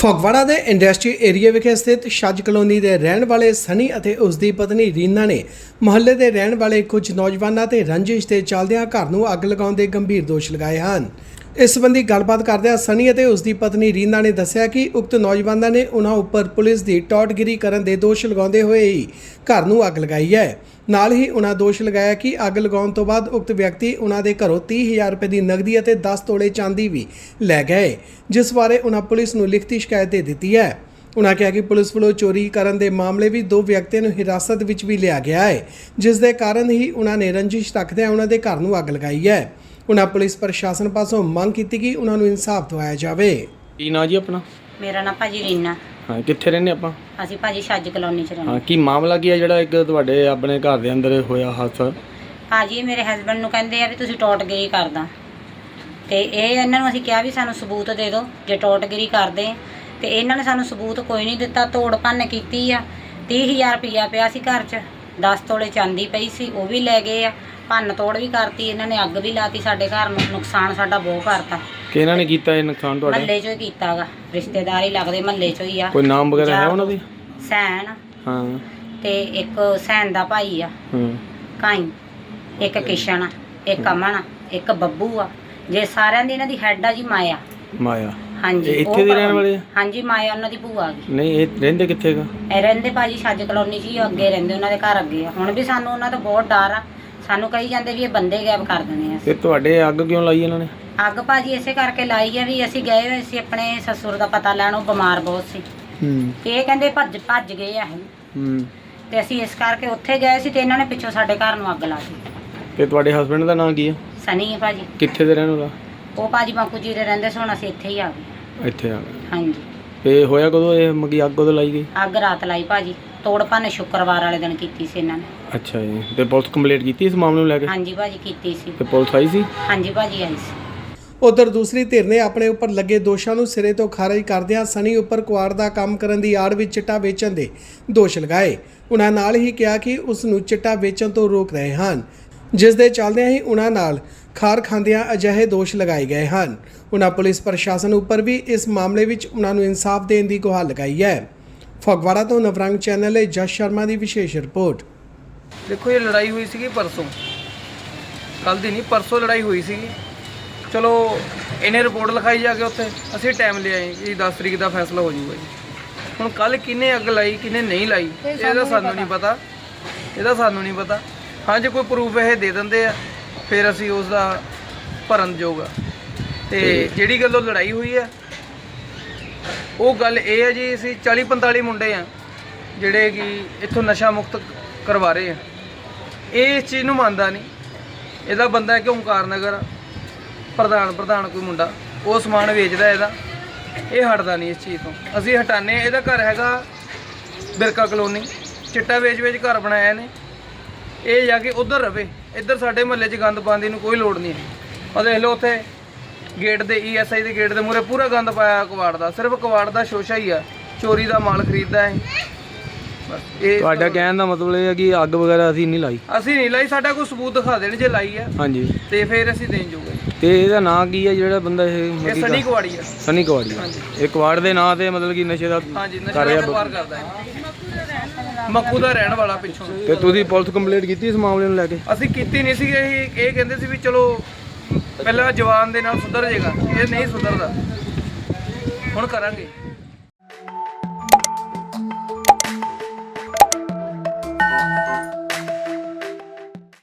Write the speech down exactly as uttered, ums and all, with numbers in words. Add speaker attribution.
Speaker 1: ਫਗਵਾੜਾ ਦੇ industry area ਵਿਖੇ ਸਥਿਤ ਛੱਜ ਕਲੋਨੀ ਦੇ ਰਹਿਣ ਵਾਲੇ ਸਨੀ ਅਤੇ ਉਸ ਦੀ ਪਤਨੀ ਰੀਨਾ ਨੇ ਮੁਹੱਲੇ ਦੇ ਰਹਿਣ ਵਾਲੇ ਕੁਝ ਨੌਜਵਾਨਾਂ ਤੇ ਰੰਜਿਸ਼ ਦੇ ਚੱਲਦਿਆਂ ਘਰ ਨੂੰ ਅੱਗ ਲਗਾਉਣ ਦੇ ਗੰਭੀਰ ਦੋਸ਼ ਲਗਾਏ ਹਨ। ਇਸ ਸੰਬੰਧੀ ਗੱਲਬਾਤ ਕਰਦਿਆਂ ਸਨੀ ਅਤੇ ਉਸ ਦੀ ਪਤਨੀ ਰੀਨਾ ਨੇ ਦੱਸਿਆ ਕਿ ਉਕਤ ਨੌਜਵਾਨਾਂ ਨੇ ਉਹਨਾਂ ਉੱਪਰ ਪੁਲਿਸ ਦੀ ਟੌਟਗਿਰੀ ਕਰਨ ਦੇ ਦੋਸ਼ ਲਗਾਉਂਦੇ ਹੋਏ ਹੀ ਘਰ ਨੂੰ ਅੱਗ ਲਗਾਈ ਹੈ। ਨਾਲ ਹੀ ਉਹਨਾਂ ਦੋਸ਼ ਲਗਾਇਆ ਕਿ ਅੱਗ ਲਗਾਉਣ ਤੋਂ ਬਾਅਦ ਉਕਤ ਵਿਅਕਤੀ ਉਹਨਾਂ ਦੇ ਘਰੋਂ ਤੀਹ ਹਜ਼ਾਰ ਰੁਪਏ ਦੀ ਨਕਦੀ ਅਤੇ ਦਸ ਤੋਲੇ ਚਾਂਦੀ ਵੀ ਲੈ ਗਏ, ਜਿਸ ਬਾਰੇ ਉਹਨਾਂ ਪੁਲਿਸ ਨੂੰ ਲਿਖਤੀ ਸ਼ਿਕਾਇਤ ਦੇ ਦਿੱਤੀ ਹੈ। ਉਹਨਾਂ ਕਿਹਾ ਕਿ ਪੁਲਿਸ ਵੱਲੋਂ ਚੋਰੀ ਕਰਨ ਦੇ ਮਾਮਲੇ ਵੀ ਦੋ ਵਿਅਕਤੀਆਂ ਨੂੰ ਹਿਰਾਸਤ ਵਿੱਚ ਵੀ ਲਿਆ ਗਿਆ ਹੈ, ਜਿਸ ਦੇ ਕਾਰਨ ਹੀ ਉਹਨਾਂ ਨੇ ਰੰਜਿਸ਼ ਰੱਖਦਿਆਂ ਉਹਨਾਂ ਦੇ ਘਰ ਨੂੰ ਅੱਗ ਲਗਾਈ ਹੈ। ਉਹਨਾਂ ਪੁਲਿਸ ਪ੍ਰਸ਼ਾਸਨ ਪਾਸੋਂ ਮੰਗ ਕੀਤੀ ਕਿ ਉਹਨਾਂ ਨੂੰ ਇਨਸਾਫ ਦਿਵਾਇਆ ਜਾਵੇ।
Speaker 2: ਕੀ ਨਾਂ ਜੀ ਆਪਣਾ?
Speaker 3: ਮੇਰਾ ਨਾਂ ਭਾਜੀ ਰੀਨਾ।
Speaker 2: ਹਾਂ, ਕਿੱਥੇ ਰਹਿੰਦੇ ਆਪਾਂ?
Speaker 3: ਅਸੀਂ ਭਾਜੀ ਛੱਜ ਕਲੋਨੀ ਚ ਰਹਿੰਦੇ।
Speaker 2: ਹਾਂ, ਕੀ ਮਾਮਲਾ ਕੀ ਹੈ ਜਿਹੜਾ ਇੱਕ ਤੁਹਾਡੇ ਆਪਣੇ ਘਰ ਦੇ ਅੰਦਰ ਹੋਇਆ ਹਾਦਸਾ?
Speaker 3: ਭਾਜੀ ਮੇਰੇ ਹਸਬੰਡ ਨੂੰ ਕਹਿੰਦੇ ਆ ਵੀ ਤੁਸੀਂ ਟੋਟਗਿਰੀ ਕਰਦਾ, ਤੇ ਇਹ ਇਹਨਾਂ ਨੂੰ ਅਸੀਂ ਕਿਹਾ ਵੀ ਸਾਨੂੰ ਸਬੂਤ ਦੇ ਦਿਓ ਜੇ ਟੋਟਗਿਰੀ ਕਰਦੇ, ਤੇ ਇਹਨਾਂ ਨੇ ਸਾਨੂੰ ਸਬੂਤ ਕੋਈ ਨਹੀਂ ਦਿੱਤਾ। ਤੋੜ ਭੰਨ ਕੀਤੀ ਆ। ਤੀਹ ਹਜ਼ਾਰ ਰੁਪਈਆ ਪਿਆ ਸੀ ਘਰ 'ਚ, ਦਸ ਤੋਲੇ ਚਾਂਦੀ ਪਈ ਸੀ, ਉਹ ਵੀ ਲੈ ਗਏ ਆ। ਭੰਨ ਤੋੜ ਵੀ ਕਰਤੀ ਇਹਨਾਂ ਨੇ, ਅੱਗ ਵੀ ਲਾਤੀ ਸਾਡੇ ਘਰ ਨੂੰ। ਨੁਕਸਾਨ ਸਾਡਾ ਬਹੁਤ ਕਰਤਾ।
Speaker 2: ਕਿ ਇਹਨਾਂ ਨੇ ਕੀਤਾ ਇਹ ਨੁਕਸਾਨ ਤੁਹਾਡਾ?
Speaker 3: ਮਹੱਲੇ 'ਚੋਂ ਹੀ ਕੀਤਾ ਗਾ, ਰਿਸ਼ਤੇਦਾਰ ਹੀ ਲੱਗਦੇ, ਮਹੱਲੇ 'ਚੋਂ ਹੀ ਆ।
Speaker 2: ਕੋਈ ਨਾਮ ਵਗੈਰਾ ਹੈ ਉਹਨਾਂ ਦੇ?
Speaker 3: ਸੈਨ
Speaker 2: ਹਾਂ,
Speaker 3: ਤੇ ਇੱਕ ਸੈਨ ਦਾ ਭਾਈ ਆ
Speaker 2: ਹਾਂ,
Speaker 3: ਕਾਈ, ਇੱਕ ਕਿਸ਼ਨ ਆ, ਇੱਕ ਅਮਨ ਆ, ਇੱਕ ਬੱਬੂ ਆ। ਜੇ ਸਾਰਿਆਂ ਦੀ ਇਹਨਾਂ ਦੀ ਹੈਡ ਆ ਜੀ ਮਾਇਆ।
Speaker 2: ਮਾਇਆ?
Speaker 3: ਹਾਂਜੀ,
Speaker 2: ਇਹ ਇੱਥੇ
Speaker 3: ਉਹ
Speaker 2: ਦੇ ਰਹਿਣ ਵਾਲੇ ਆ?
Speaker 3: ਹਾਂਜੀ, ਮਾਇਆ ਉਹਨਾਂ ਦੀ ਭੂਆ ਆ ਗਈ।
Speaker 2: ਨਹੀਂ, ਇਹ ਰਹਿੰਦੇ ਕਿੱਥੇ ਗਾ?
Speaker 3: ਇਹ ਰਹਿੰਦੇ ਭਾਜੀ ਛੱਜ ਕਲੋਨੀ 'ਚ ਹੀ, ਅੱਗੇ ਰਹਿੰਦੇ, ਉਹਨਾਂ ਦੇ ਘਰ ਅੱਗੇ ਆ। ਹੁਣ ਵੀ ਸਾਨੂੰ ਉਹਨਾਂ ਤੋਂ ਬਹੁਤ ਡਰ ਆ। ਸਾਨੂੰ ਕਹੀ ਜਾਂਦੇ ਵੀ ਇਹ ਬੰਦੇ ਗਾਇਬ ਕਰ ਦਿੰਦੇ ਆ।
Speaker 2: ਤੇ ਤੁਹਾਡੇ ਅੱਗ ਕਿਉਂ ਲਾਈ ਇਹਨਾਂ ਨੇ?
Speaker 3: ਅੱਗ ਭਾਜੀ ਇਸੇ ਕਰਕੇ ਲਾਈ ਆ ਵੀ ਅਸੀਂ ਗਏ ਹੋਏ ਸੀ ਆਪਣੇ ਸਸੁਰ ਦਾ ਪਤਾ ਲੈਣ, ਉਹ ਬਿਮਾਰ ਬਹੁਤ ਸੀ।
Speaker 2: ਹੂੰ,
Speaker 3: ਤੇ ਇਹ ਕਹਿੰਦੇ ਭੱਜ ਭੱਜ ਗਏ ਆ ਇਹ,
Speaker 2: ਹੂੰ,
Speaker 3: ਤੇ ਅਸੀਂ ਇਸ ਕਰਕੇ ਉੱਥੇ ਗਏ ਸੀ, ਤੇ ਇਹਨਾਂ ਨੇ ਪਿੱਛੋਂ ਸਾਡੇ ਘਰ ਨੂੰ ਅੱਗ ਲਾ ਦਿੱਤੀ।
Speaker 2: ਤੇ ਤੁਹਾਡੇ ਹਸਬੰਡ ਦਾ ਨਾਂ ਕੀ ਹੈ?
Speaker 3: ਸਨੀ ਆ ਭਾਜੀ।
Speaker 2: ਕਿੱਥੇ ਦੇ ਰਹਿਣ ਵਾਲਾ?
Speaker 3: ਉਹ ਭਾਜੀ ਬਾਪੂ ਜੀ ਦੇ ਰਹਿੰਦੇ ਸੀ, ਹੁਣ ਅਸੀਂ ਇੱਥੇ ਹੀ ਆ ਗਏ।
Speaker 2: ਇੱਥੇ ਆ ਗਏ।
Speaker 3: ਹਾਂਜੀ।
Speaker 2: ਤੇ ਹੋਇਆ ਕਦੋਂ ਇਹ ਮਗੀ ਅੱਗ ਕਦੋਂ ਲਾਈ ਗਈ?
Speaker 3: ਅੱਗ ਰਾਤ ਲਾਈ ਭਾਜੀ। ਤੋੜ ਭੰਨ ਸ਼ੁੱਕਰਵਾਰ ਵਾਲੇ ਦਿਨ ਕੀਤੀ ਸੀ ਇਹਨਾਂ ਨੇ।
Speaker 2: ਅੱਛਾ ਜੀ। ਤੇ ਪੁਲਿਸ ਕੰਪਲੀਟ ਕੀਤੀ ਇਸ ਮਾਮਲੇ ਨੂੰ ਲੈ ਕੇ?
Speaker 3: ਹਾਂਜੀ ਭਾਜੀ ਕੀਤੀ ਸੀ।
Speaker 2: ਤੇ ਪੁਲਿਸ ਆਈ ਸੀ?
Speaker 3: ਹਾਂਜੀ ਭਾਜੀ ਆਈ ਸੀ।
Speaker 1: ਉਧਰ ਦੂਸਰੀ ਧਿਰ ਨੇ ਆਪਣੇ ਉੱਪਰ ਲੱਗੇ ਦੋਸ਼ਾਂ ਨੂੰ ਸਿਰੇ ਤੋਂ ਖਾਰਜ ਕਰਦਿਆਂ ਸਨੀ ਉੱਪਰ ਕੁਆੜ ਦਾ ਕੰਮ ਕਰਨ ਦੀ ਆੜ ਵਿੱਚ ਚਿੱਟਾ ਵੇਚਣ ਦੇ ਦੋਸ਼ ਲਗਾਏ। ਉਹਨਾਂ ਨਾਲ ਹੀ ਕਿਹਾ ਕਿ ਉਸ ਨੂੰ ਚਿੱਟਾ ਵੇਚਣ ਤੋਂ ਰੋਕ ਰਹੇ ਹਨ, ਜਿਸ ਦੇ ਚੱਲਦਿਆਂ ਹੀ ਉਹਨਾਂ ਨਾਲ ਖਾਰ ਖਾਂਦਿਆਂ ਅਜਿਹੇ ਦੋਸ਼ ਲਗਾਏ ਗਏ ਹਨ। ਉਹਨਾਂ ਪੁਲਿਸ ਪ੍ਰਸ਼ਾਸਨ ਉੱਪਰ ਵੀ ਇਸ ਮਾਮਲੇ ਵਿੱਚ ਉਹਨਾਂ ਨੂੰ ਇਨਸਾਫ ਦੇਣ ਦੀ ਗੁਹਾਰ ਲਗਾਈ ਹੈ। ਫਗਵਾੜਾ ਤੋਂ ਨਵਰੰਗ ਚੈਨਲ ਲਈ ਜਸ ਸ਼ਰਮਾ ਦੀ ਵਿਸ਼ੇਸ਼ ਰਿਪੋਰਟ।
Speaker 4: देखो ये लड़ाई हुई सी परसों, कल दी नहीं परसों लड़ाई हुई सी। चलो इन्हें रिपोर्ट लिखाई जाके उत्थे असीं टाइम ले आए कि दस तरीक का फैसला हो जाऊगा जी। हुण कल किन्ने अग लाई किन्ने नहीं लाई इहदा सानूं नहीं पता, इहदा सानूं नहीं पता। हाँ जो कोई प्रूफ ये दे दिंदे आ फिर असीं उसदा भरन जोग आ। ते जिहड़ी गल्लों लड़ाई हुई है वो गल ये है जी, असीं चाली पंताली मुंडे आ जिहड़े कि इत्थों नशा मुक्त करवा रहे हैं। ये इस चीज़ नूं मंनदा नहीं। इहदा बंदा है कि ओंकार नगर प्रधान प्रधान कोई मुंडा वो समान वेचदा, इहदा ये हटदा नहीं इस चीज़ तो। असीं हटाने। इहदा घर हैगा बिरका कलोनी, चिट्टा वेच वेच घर बनाया ने। ये जाके उधर रवे, इधर साडे महल्ले च गंद पाउण दी नूं कोई लोड़ नहीं है। और देख लो उत्थे गेट दे ई एस आई दे गेट दे मूहरे पूरा गंद पाया कबाड़ दा, सिर्फ कबाड़ दा शोशा ही आ, चोरी दा माल खरीददा है।
Speaker 2: ਤੁਹਾਡਾ ਕਹਿਣ ਦਾ ਮਤਲਬ ਇਹ ਹੈ ਕਿ ਅੱਗ ਵਗੈਰਾ ਅਸੀਂ ਨਹੀਂ ਲਾਈ?
Speaker 4: ਅਸੀਂ ਨਹੀਂ ਲਾਈ, ਸਾਡਾ ਕੋਈ ਸਬੂਤ ਦਿਖਾ ਦੇਣ ਜੇ ਲਾਈ ਹੈ।
Speaker 2: ਹਾਂਜੀ।
Speaker 4: ਤੇ ਫਿਰ ਅਸੀਂ ਦੇਣ ਜੋਗੇ।
Speaker 2: ਤੇ ਇਹਦਾ ਨਾਂ ਕੀ ਹੈ ਜਿਹੜਾ ਬੰਦਾ ਇਹ?
Speaker 4: ਇਹ ਸਨੀ ਕੁਆੜੀ ਆ।
Speaker 2: ਸਨੀ ਕੁਆੜੀ।
Speaker 4: ਹਾਂਜੀ।
Speaker 2: ਇਹ ਕੁਆੜ ਦੇ ਨਾਂ ਤੇ ਮਤਲਬ ਕਿ ਨਸ਼ੇ ਦਾ?
Speaker 4: ਹਾਂਜੀ, ਨਸ਼ੇ ਦਾ ਵਪਾਰ ਕਰਦਾ ਹੈ, ਮੱਕੂ ਦਾ ਰਹਿਣ ਵਾਲਾ ਪਿੱਛੋਂ।
Speaker 2: ਤੇ ਤੁਸੀਂ ਪੁਲਿਸ ਕੰਪਲੀਟ ਕੀਤੀ ਇਸ ਮਾਮਲੇ ਨੂੰ ਲੈ ਕੇ?
Speaker 4: ਅਸੀਂ ਕੀਤੀ ਨਹੀਂ ਸੀ। ਇਹ ਇਹ ਕਹਿੰਦੇ ਸੀ ਵੀ ਚਲੋ ਪਹਿਲਾਂ ਜਵਾਨ ਦੇ ਨਾਲ ਸੁਧਰ ਜਾਏਗਾ, ਇਹ ਨਹੀਂ ਸੁਧਰਦਾ। ਹੁਣ ਕਰਾਂਗੇ।